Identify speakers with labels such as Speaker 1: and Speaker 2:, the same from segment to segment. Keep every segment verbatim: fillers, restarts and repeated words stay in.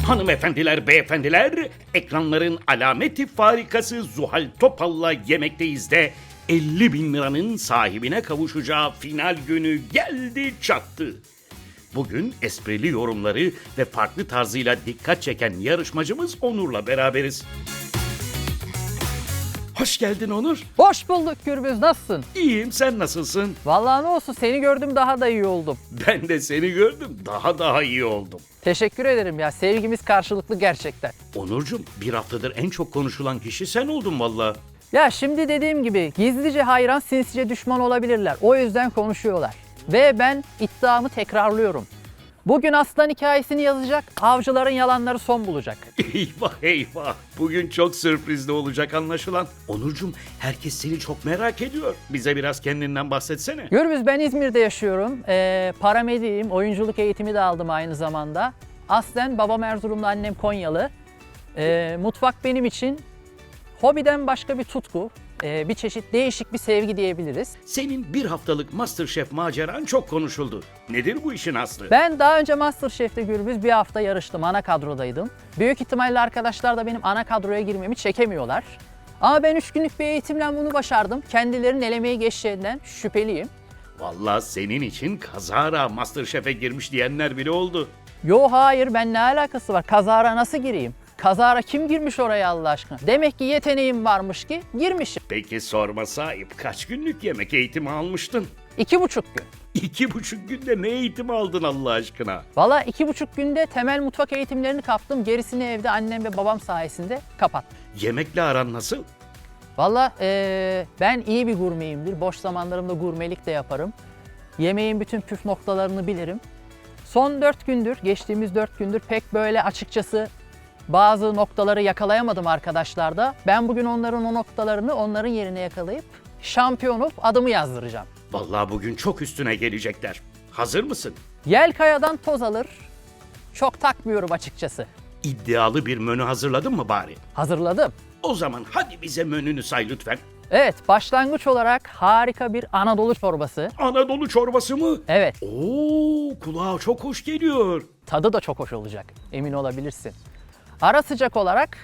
Speaker 1: Hanımefendiler, beyefendiler, ekranların alameti farikası Zuhal Topal'la Yemekteyiz de elli bin liranın sahibine kavuşacağı final günü geldi çattı. Bugün esprili yorumları ve farklı tarzıyla dikkat çeken yarışmacımız Onur'la beraberiz. Hoş geldin Onur.
Speaker 2: Hoş bulduk Gürbüz, nasılsın?
Speaker 1: İyiyim, sen nasılsın?
Speaker 2: Vallahi ne olsun, seni gördüm daha da iyi oldum.
Speaker 1: Ben de seni gördüm, daha daha iyi oldum.
Speaker 2: Teşekkür ederim ya, sevgimiz karşılıklı gerçekten.
Speaker 1: Onurcuğum, bir haftadır en çok konuşulan kişi sen oldun valla.
Speaker 2: Ya şimdi dediğim gibi gizlice hayran, sinsice düşman olabilirler. O yüzden konuşuyorlar. Ve ben iddiamı tekrarlıyorum. Bugün aslan hikayesini yazacak, avcıların yalanları son bulacak.
Speaker 1: Eyvah eyvah. Bugün çok sürprizli olacak anlaşılan. Onurcuğum, herkes seni çok merak ediyor. Bize biraz kendinden bahsetsene.
Speaker 2: Gürbüz, ben İzmir'de yaşıyorum. Ee, paramediyim, oyunculuk eğitimi de aldım aynı zamanda. Aslen babam Erzurumlu, annem Konyalı. Ee, mutfak benim için hobiden başka bir tutku. Ee, bir çeşit değişik bir sevgi diyebiliriz.
Speaker 1: Senin bir haftalık MasterChef maceran çok konuşuldu. Nedir bu işin aslı?
Speaker 2: Ben daha önce MasterChef'te Gürbüz bir hafta yarıştım, ana kadrodaydım. Büyük ihtimalle arkadaşlar da benim ana kadroya girmemi çekemiyorlar. Ama ben üç günlük bir eğitimle bunu başardım. Kendilerinin elemeye geçeceğinden şüpheliyim.
Speaker 1: Vallahi senin için kazara MasterChef'e girmiş diyenler bile oldu.
Speaker 2: Yo hayır, ben ne alakası var? Kazara nasıl gireyim? Kazara kim girmiş oraya Allah aşkına? Demek ki yeteneğim varmış ki girmişim.
Speaker 1: Peki sorma sahip, kaç günlük yemek eğitimi almıştın?
Speaker 2: İki buçuk gün.
Speaker 1: İki buçuk günde ne eğitimi aldın Allah aşkına?
Speaker 2: Valla iki buçuk günde temel mutfak eğitimlerini kaptım. Gerisini evde annem ve babam sayesinde kapattım.
Speaker 1: Yemekle aran nasıl?
Speaker 2: Valla ee, ben iyi bir gurmeyimdir. Boş zamanlarımda gurmelik de yaparım. Yemeğin bütün püf noktalarını bilirim. Son dört gündür, geçtiğimiz dört gündür pek böyle açıkçası bazı noktaları yakalayamadım arkadaşlarda. Ben bugün onların o noktalarını onların yerine yakalayıp şampiyon olup adımı yazdıracağım.
Speaker 1: Vallahi bugün çok üstüne gelecekler. Hazır mısın?
Speaker 2: Yel kayadan toz alır. Çok takmıyorum açıkçası.
Speaker 1: İddialı bir menü hazırladın mı bari?
Speaker 2: Hazırladım.
Speaker 1: O zaman hadi bize menünü say lütfen.
Speaker 2: Evet, başlangıç olarak harika bir Anadolu çorbası.
Speaker 1: Anadolu çorbası mı?
Speaker 2: Evet,
Speaker 1: Oo, kulağa çok hoş geliyor.
Speaker 2: tadı da çok hoş olacak. Emin olabilirsin. Ara sıcak olarak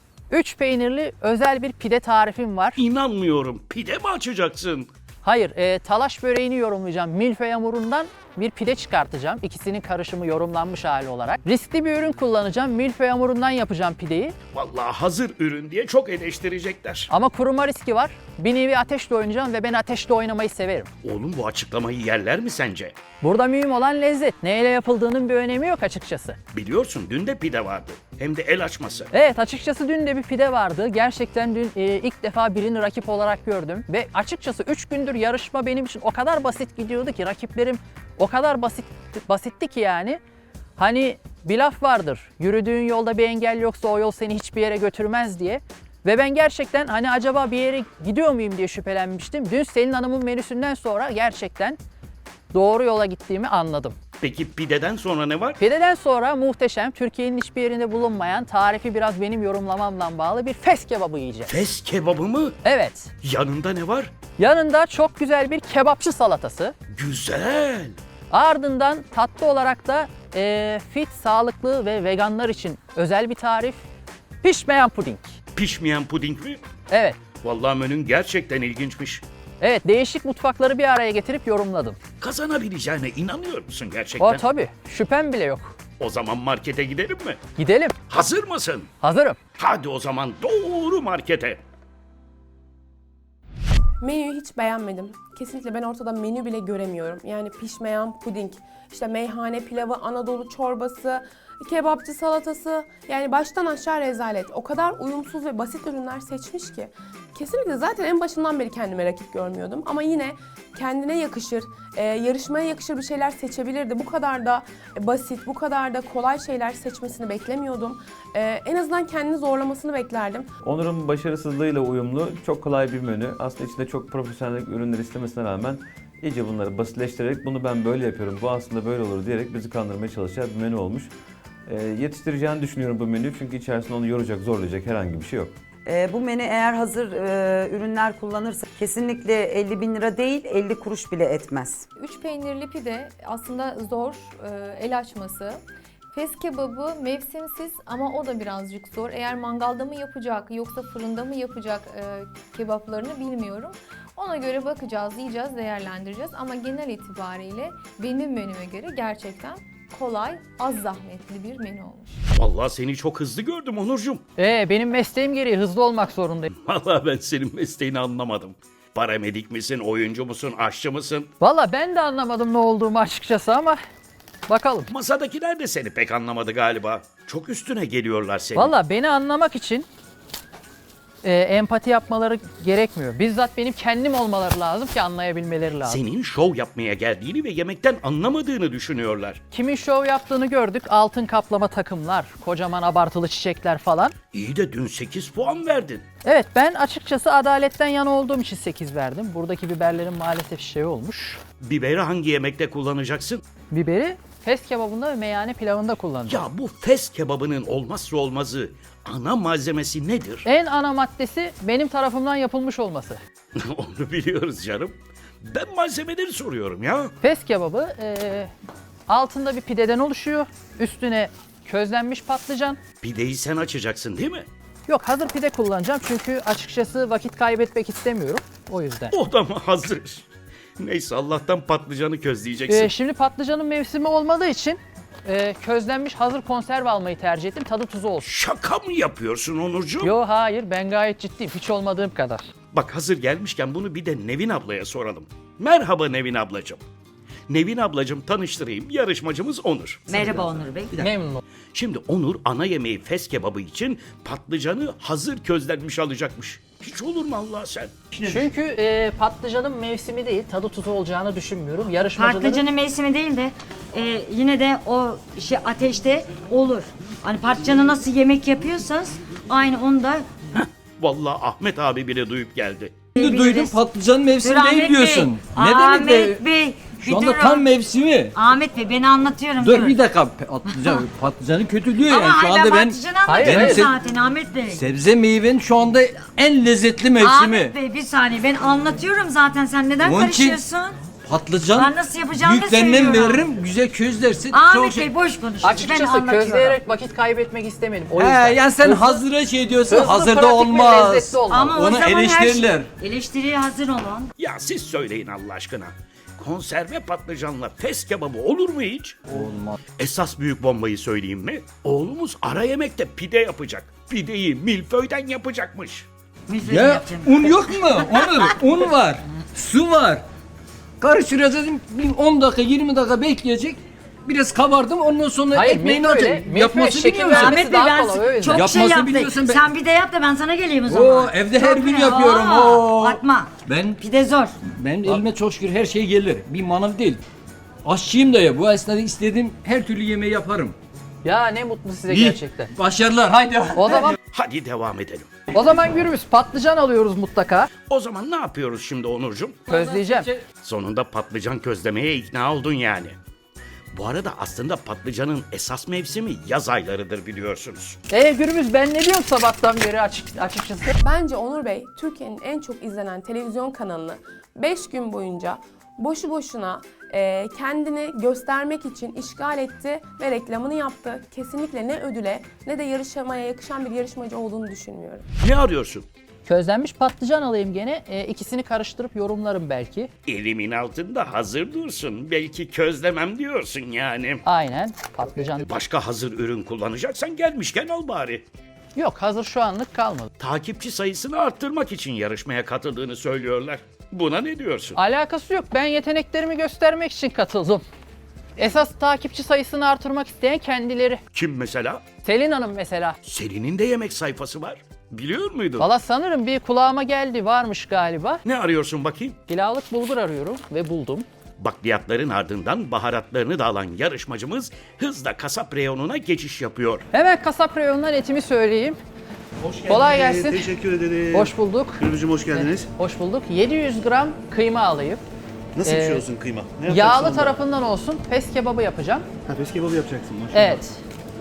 Speaker 2: üç peynirli özel bir pide tarifim var.
Speaker 1: İnanmıyorum. Pide mi açacaksın?
Speaker 2: Hayır, e, talaş böreğini yorumlayacağım. Milföy hamurundan bir pide çıkartacağım. İkisinin karışımı yorumlanmış hali olarak. Riskli bir ürün kullanacağım. Milföy hamurundan yapacağım pideyi.
Speaker 1: Vallahi hazır ürün diye çok eleştirecekler.
Speaker 2: Ama kuruma riski var. Bir nevi ateşle oynayacağım ve ben ateşle oynamayı severim.
Speaker 1: Oğlum, bu açıklamayı yerler mi sence?
Speaker 2: Burada mühim olan lezzet. Neyle yapıldığının bir önemi yok açıkçası.
Speaker 1: Biliyorsun dün de pide vardı. Hem de el açması.
Speaker 2: Evet, açıkçası dün de bir pide vardı. Gerçekten dün e, ilk defa birini rakip olarak gördüm. Ve açıkçası üç gündür yarışma benim için o kadar basit gidiyordu ki, rakiplerim o kadar basit basitti ki yani. Hani bir laf vardır, yürüdüğün yolda bir engel yoksa o yol seni hiçbir yere götürmez diye. Ve ben gerçekten hani acaba bir yere gidiyor muyum diye şüphelenmiştim. Dün Selin Hanım'ın menüsünden sonra gerçekten doğru yola gittiğimi anladım.
Speaker 1: Peki pideden sonra ne var?
Speaker 2: Pideden sonra muhteşem, Türkiye'nin hiçbir yerinde bulunmayan, tarifi biraz benim yorumlamamla bağlı bir fes kebabı yiyeceğim.
Speaker 1: Fes kebabı mı?
Speaker 2: Evet.
Speaker 1: Yanında ne var?
Speaker 2: Yanında çok güzel bir kebapçı salatası.
Speaker 1: Güzel.
Speaker 2: Ardından tatlı olarak da e, fit, sağlıklı ve veganlar için özel bir tarif. Pişmeyen puding.
Speaker 1: Pişmeyen puding mi?
Speaker 2: Evet.
Speaker 1: Vallahi menün gerçekten ilginçmiş.
Speaker 2: Evet, değişik mutfakları bir araya getirip yorumladım.
Speaker 1: Kazanabileceğine inanıyor musun gerçekten?
Speaker 2: O tabii, şüphem bile yok.
Speaker 1: O zaman markete gidelim mi?
Speaker 2: Gidelim.
Speaker 1: Hazır mısın?
Speaker 2: Hazırım.
Speaker 1: Hadi o zaman doğru markete.
Speaker 3: Menüyü hiç beğenmedim. Kesinlikle ben ortada menü bile göremiyorum. Yani pişmeyen puding, işte meyhane pilavı, Anadolu çorbası, kebapçı salatası. Yani baştan aşağı rezalet. O kadar uyumsuz ve basit ürünler seçmiş ki. Kesinlikle zaten en başından beri kendime rakip görmüyordum. Ama yine kendine yakışır, e, yarışmaya yakışır bir şeyler seçebilirdi. Bu kadar da basit, bu kadar da kolay şeyler seçmesini beklemiyordum. E, en azından kendini zorlamasını beklerdim.
Speaker 4: Onur'un başarısızlığıyla uyumlu, çok kolay bir menü. Aslında içinde çok profesyonel ürünler istemesine rağmen iyice bunları basitleştirerek bunu ben böyle yapıyorum, bu aslında böyle olur diyerek bizi kandırmaya çalışan bir menü olmuş. E, yetiştireceğini düşünüyorum bu menüyü çünkü içerisinde onu yoracak, zorlayacak herhangi bir şey yok.
Speaker 5: E, bu menü eğer hazır e, ürünler kullanırsa kesinlikle elli bin lira değil, elli kuruş bile etmez.
Speaker 6: Üç peynirli pide aslında zor, e, el açması. Fes kebabı mevsimsiz ama o da birazcık zor. Eğer mangalda mı yapacak yoksa fırında mı yapacak e, kebaplarını bilmiyorum. Ona göre bakacağız, yiyeceğiz, değerlendireceğiz. Ama genel itibariyle benim menüme göre gerçekten kolay, az zahmetli bir menü olmuş.
Speaker 1: Vallahi seni çok hızlı gördüm Onurcuğum.
Speaker 2: Ee, benim mesleğim gereği hızlı olmak zorundayım.
Speaker 1: Vallahi ben senin mesleğini anlamadım. Paramedik misin, oyuncu musun, aşçı mısın?
Speaker 2: Valla ben de anlamadım ne olduğumu açıkçası ama bakalım.
Speaker 1: Masadakiler de seni pek anlamadı galiba. Çok üstüne geliyorlar senin.
Speaker 2: Valla beni anlamak için e, empati yapmaları gerekmiyor. Bizzat benim kendim olmaları lazım ki anlayabilmeleri lazım.
Speaker 1: Senin şov yapmaya geldiğini ve yemekten anlamadığını düşünüyorlar.
Speaker 2: Kimin şov yaptığını gördük. Altın kaplama takımlar, kocaman abartılı çiçekler falan.
Speaker 1: İyi de dün sekiz puan verdin.
Speaker 2: Evet, ben açıkçası adaletten yana olduğum için sekiz verdim. Buradaki biberlerin maalesef şey olmuş.
Speaker 1: Biberi hangi yemekte kullanacaksın?
Speaker 2: Biberi fes kebabında ve meyhane pilavında kullanacağım.
Speaker 1: Ya bu fes kebabının olmazsa olmazı, ana malzemesi nedir?
Speaker 2: En ana maddesi benim tarafımdan yapılmış olması.
Speaker 1: Onu biliyoruz canım. Ben malzemeleri soruyorum ya.
Speaker 2: Fes kebabı e, altında bir pideden oluşuyor. Üstüne közlenmiş patlıcan.
Speaker 1: Pideyi sen açacaksın değil mi?
Speaker 2: Yok, hazır pide kullanacağım çünkü açıkçası vakit kaybetmek istemiyorum. O yüzden.
Speaker 1: O da mı hazır? Neyse Allah'tan patlıcanı közleyeceksin.
Speaker 2: E, şimdi patlıcanın mevsimi olmadığı için e, közlenmiş hazır konserve almayı tercih ettim. Tadı tuzu olsun.
Speaker 1: Şaka mı yapıyorsun Onurcuğum?
Speaker 2: Yo, hayır, ben gayet ciddiyim. Hiç olmadığım kadar.
Speaker 1: Bak hazır gelmişken bunu bir de Nevin ablaya soralım. Merhaba Nevin ablacığım. Nevin ablacığım tanıştırayım. Yarışmacımız Onur.
Speaker 5: Merhaba Onur Bey.
Speaker 2: Memnun oldum.
Speaker 1: Şimdi Onur ana yemeği fes kebabı için patlıcanı hazır közlenmiş alacakmış. Hiç olur mu Allah sen?
Speaker 2: Çünkü e, patlıcanın mevsimi değil, tadı tuzu olacağını düşünmüyorum. Yarışmacıların...
Speaker 7: Patlıcanın mevsimi değil de e, yine de o şey ateşte olur. Hani patlıcanı nasıl yemek yapıyorsanız aynı onu da
Speaker 1: Vallahi Ahmet abi bile duyup geldi.
Speaker 8: Şimdi duydum patlıcan mevsimi
Speaker 7: Dur
Speaker 8: değil
Speaker 7: Ahmet
Speaker 8: diyorsun.
Speaker 7: Bey.
Speaker 8: Ne
Speaker 7: Ahmet
Speaker 8: demek be?
Speaker 7: Bey.
Speaker 8: Şu
Speaker 7: bir
Speaker 8: anda
Speaker 7: durun.
Speaker 8: tam mevsimi.
Speaker 7: Ahmet Bey ben anlatıyorum.
Speaker 8: Dur bir dakika patlıcan patlıcanın kötülüğü
Speaker 7: Ama
Speaker 8: yani şu
Speaker 7: hayır,
Speaker 8: anda ben
Speaker 7: patlıcanı
Speaker 2: Hayır,
Speaker 7: anlatıyorum
Speaker 8: hayır.
Speaker 7: zaten Ahmet Bey.
Speaker 8: sebze meyvenin şu anda en lezzetli mevsimi.
Speaker 7: Ahmet Bey bir saniye ben anlatıyorum zaten sen neden
Speaker 8: Onun için
Speaker 7: karışıyorsun?
Speaker 8: Patlıcan
Speaker 7: Ben nasıl yapacağımı
Speaker 8: büyüklerinden
Speaker 7: söylüyorum.
Speaker 8: veririm güzel közlersin.
Speaker 7: Ahmet
Speaker 8: Çok
Speaker 7: Bey
Speaker 8: şey-
Speaker 7: boş konuşuyor. Ben
Speaker 2: Açıkçası
Speaker 7: anlatıyorum.
Speaker 2: közleyerek vakit kaybetmek istemedim. O
Speaker 8: He,
Speaker 2: yüzden.
Speaker 8: yani sen
Speaker 2: Hızlı-
Speaker 8: hazıra şey diyorsun
Speaker 2: hızlı,
Speaker 8: hazırda
Speaker 2: pratik ve
Speaker 8: olmaz.
Speaker 2: lezzetli olmalı.
Speaker 7: Ama o
Speaker 8: Onu
Speaker 7: zaman
Speaker 8: eleştirirler.
Speaker 7: her şey eleştiriye hazır olun.
Speaker 1: Ya siz söyleyin Allah aşkına. Konserve patlıcanla fes kebabı olur mu hiç?
Speaker 8: Olmaz.
Speaker 1: Esas büyük bombayı söyleyeyim mi? Oğlumuz ara yemekte pide yapacak. Pideyi milföyden yapacakmış.
Speaker 7: Müfredim
Speaker 8: Ya
Speaker 7: yapacağım.
Speaker 8: un yok mu? Onur un var. Su var. Karıştıracaksın bir on dakika yirmi dakika bekleyecek. Biraz kabardım ondan sonra
Speaker 2: Hayır,
Speaker 8: ekmeğini
Speaker 2: milföyle-
Speaker 8: atacak.
Speaker 2: milföyle
Speaker 8: Yapması
Speaker 2: şekil
Speaker 8: biliyor musun?
Speaker 2: vermesi
Speaker 7: Ahmet Bey
Speaker 2: daha
Speaker 7: ben
Speaker 2: kolay, o yüzden.
Speaker 7: çok şey
Speaker 8: Yapmasını
Speaker 7: yaptım.
Speaker 8: biliyorsun ben-
Speaker 7: Sen bir de yap da ben sana geleyim o zaman.
Speaker 8: Oo, evde her
Speaker 7: Çok
Speaker 8: gün
Speaker 7: iyi.
Speaker 8: yapıyorum.
Speaker 7: Aa,
Speaker 8: Oo.
Speaker 7: Atma.
Speaker 8: Ben
Speaker 7: Pide zor.
Speaker 8: ben elime çok şükür her şey gelir. Bir manav değil. Aşçıyım da ya. Bu esnada istediğim her türlü yemeği yaparım.
Speaker 2: Ya ne mutlu size
Speaker 8: İyi.
Speaker 2: gerçekten.
Speaker 8: Başarılar. Haydi.
Speaker 2: O zaman
Speaker 1: Hadi devam edelim.
Speaker 2: o zaman Gürbüz, patlıcan alıyoruz mutlaka.
Speaker 1: O zaman ne yapıyoruz şimdi Onurcuğum?
Speaker 2: Közleyeceğim.
Speaker 1: Sonunda patlıcan közlemeye ikna oldun yani. Bu arada aslında patlıcanın esas mevsimi yaz aylarıdır biliyorsunuz.
Speaker 2: E Gürbüz, ben ne diyorum sabahtan beri açık, açıkçası.
Speaker 3: Bence Onur Bey Türkiye'nin en çok izlenen televizyon kanalını beş gün boyunca boşu boşuna e, kendini göstermek için işgal etti ve reklamını yaptı. Kesinlikle ne ödüle ne de yarışmaya yakışan bir yarışmacı olduğunu düşünmüyorum.
Speaker 1: Ne arıyorsun?
Speaker 2: Közlenmiş patlıcan alayım gene. E, ikisini karıştırıp yorumlarım belki.
Speaker 1: Elimin altında hazır dursun. Belki közlemem diyorsun yani.
Speaker 2: Aynen, patlıcan.
Speaker 1: Başka hazır ürün kullanacaksan gelmişken al bari.
Speaker 2: Yok, hazır şu anlık kalmadı.
Speaker 1: Takipçi sayısını arttırmak için yarışmaya katıldığını söylüyorlar. Buna ne diyorsun?
Speaker 2: Alakası yok. Ben yeteneklerimi göstermek için katıldım. Esas takipçi sayısını artırmak isteyen kendileri.
Speaker 1: Kim mesela?
Speaker 2: Selin Hanım mesela.
Speaker 1: Selin'in de yemek sayfası var. Biliyor muydun?
Speaker 2: Valla sanırım bir kulağıma geldi, varmış galiba.
Speaker 1: Ne arıyorsun bakayım?
Speaker 2: Pilavlık bulgur arıyorum ve buldum.
Speaker 1: Bakliyatların ardından baharatlarını da alan yarışmacımız hızla kasap reyonuna geçiş yapıyor.
Speaker 2: Hemen kasap reyonundan etimi söyleyeyim. Kolay gelsin.
Speaker 9: Teşekkür ederim.
Speaker 2: Hoş bulduk.
Speaker 9: Gürbüzcüğüm hoş geldiniz.
Speaker 2: Hoş bulduk. yedi yüz gram kıyma alayım.
Speaker 9: Nasıl bir
Speaker 2: Ee,
Speaker 9: şey olsun kıyma? Ne
Speaker 2: Yağlı
Speaker 9: yapacaksın onda?
Speaker 2: tarafından olsun. Fes kebabı yapacağım.
Speaker 9: Ha, fes kebabı yapacaksın maşallah.
Speaker 2: Evet.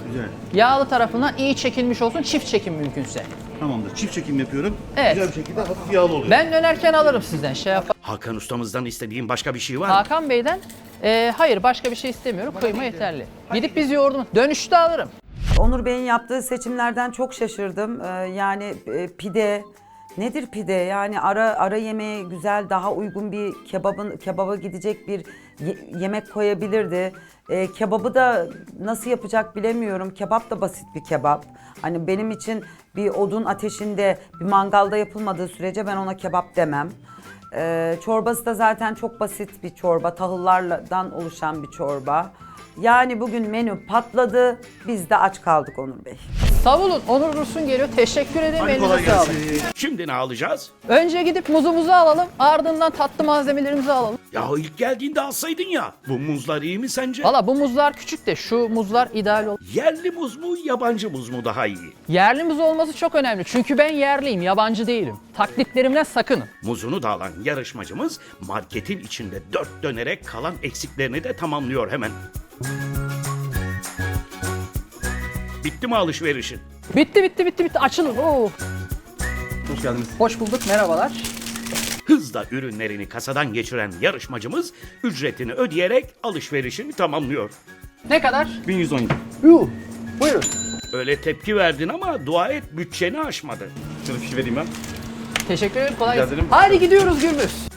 Speaker 9: Güzel.
Speaker 2: Yağlı tarafından iyi çekilmiş olsun, çift çekim mümkünse.
Speaker 9: Tamamdır. Çift çekim yapıyorum.
Speaker 2: Evet.
Speaker 9: Güzel bir şekilde hafif yağlı oluyor.
Speaker 2: Ben dönerken alırım sizden şey yap.
Speaker 1: Hakan ustamızdan istediğin başka bir şey var mı?
Speaker 2: Hakan Bey'den e, hayır başka bir şey istemiyorum. Kıyma yeterli. Gidip biz yoğurdum. Dönüşte alırım.
Speaker 5: Onur Bey'in yaptığı seçimlerden çok şaşırdım. Ee, yani e, pide nedir pide? Yani ara ara yemeğe güzel, daha uygun bir kebabın kebaba gidecek bir ye- yemek koyabilirdi. Ee, kebabı da nasıl yapacak bilemiyorum. Kebap da basit bir kebap. Hani benim için bir odun ateşinde, bir mangalda yapılmadığı sürece ben ona kebap demem. Ee, çorbası da zaten çok basit bir çorba, tahıllardan oluşan bir çorba. Yani bugün menü patladı, biz de aç kaldık Onur Bey.
Speaker 2: Savulun. Onur Dursun geliyor. Teşekkür ederim.
Speaker 9: Hadi
Speaker 2: Elinize
Speaker 9: kolay
Speaker 2: sağlık.
Speaker 9: gelsin.
Speaker 1: Şimdi ne alacağız?
Speaker 2: Önce gidip muzumuzu alalım. Ardından tatlı malzemelerimizi alalım.
Speaker 1: Ya ilk geldiğinde alsaydın ya. Bu muzlar iyi mi sence?
Speaker 2: Valla bu muzlar küçük de şu muzlar ideal ol.
Speaker 1: Yerli muz mu, yabancı muz mu daha iyi?
Speaker 2: Yerli muz olması çok önemli. Çünkü ben yerliyim, yabancı değilim. Taklitlerimden sakının.
Speaker 1: Muzunu da alan yarışmacımız marketin içinde dört dönerek kalan eksiklerini de tamamlıyor hemen. Bitti mi alışverişin?
Speaker 2: Bitti bitti bitti bitti. Açılın. Oo.
Speaker 9: Hoş geldiniz.
Speaker 2: Hoş bulduk. Merhabalar.
Speaker 1: Hızla ürünlerini kasadan geçiren yarışmacımız ücretini ödeyerek alışverişini tamamlıyor.
Speaker 2: Ne kadar?
Speaker 9: bin yüz on yedi.
Speaker 2: Yuh. Buyurun.
Speaker 1: Öyle tepki verdin ama dua et bütçeni aşmadı.
Speaker 9: Şöyle fişi vereyim ben.
Speaker 2: Teşekkür ederim. Kolay
Speaker 9: Rica
Speaker 2: gelsin.
Speaker 9: ederim.
Speaker 2: Hadi gidiyoruz Gürbüz.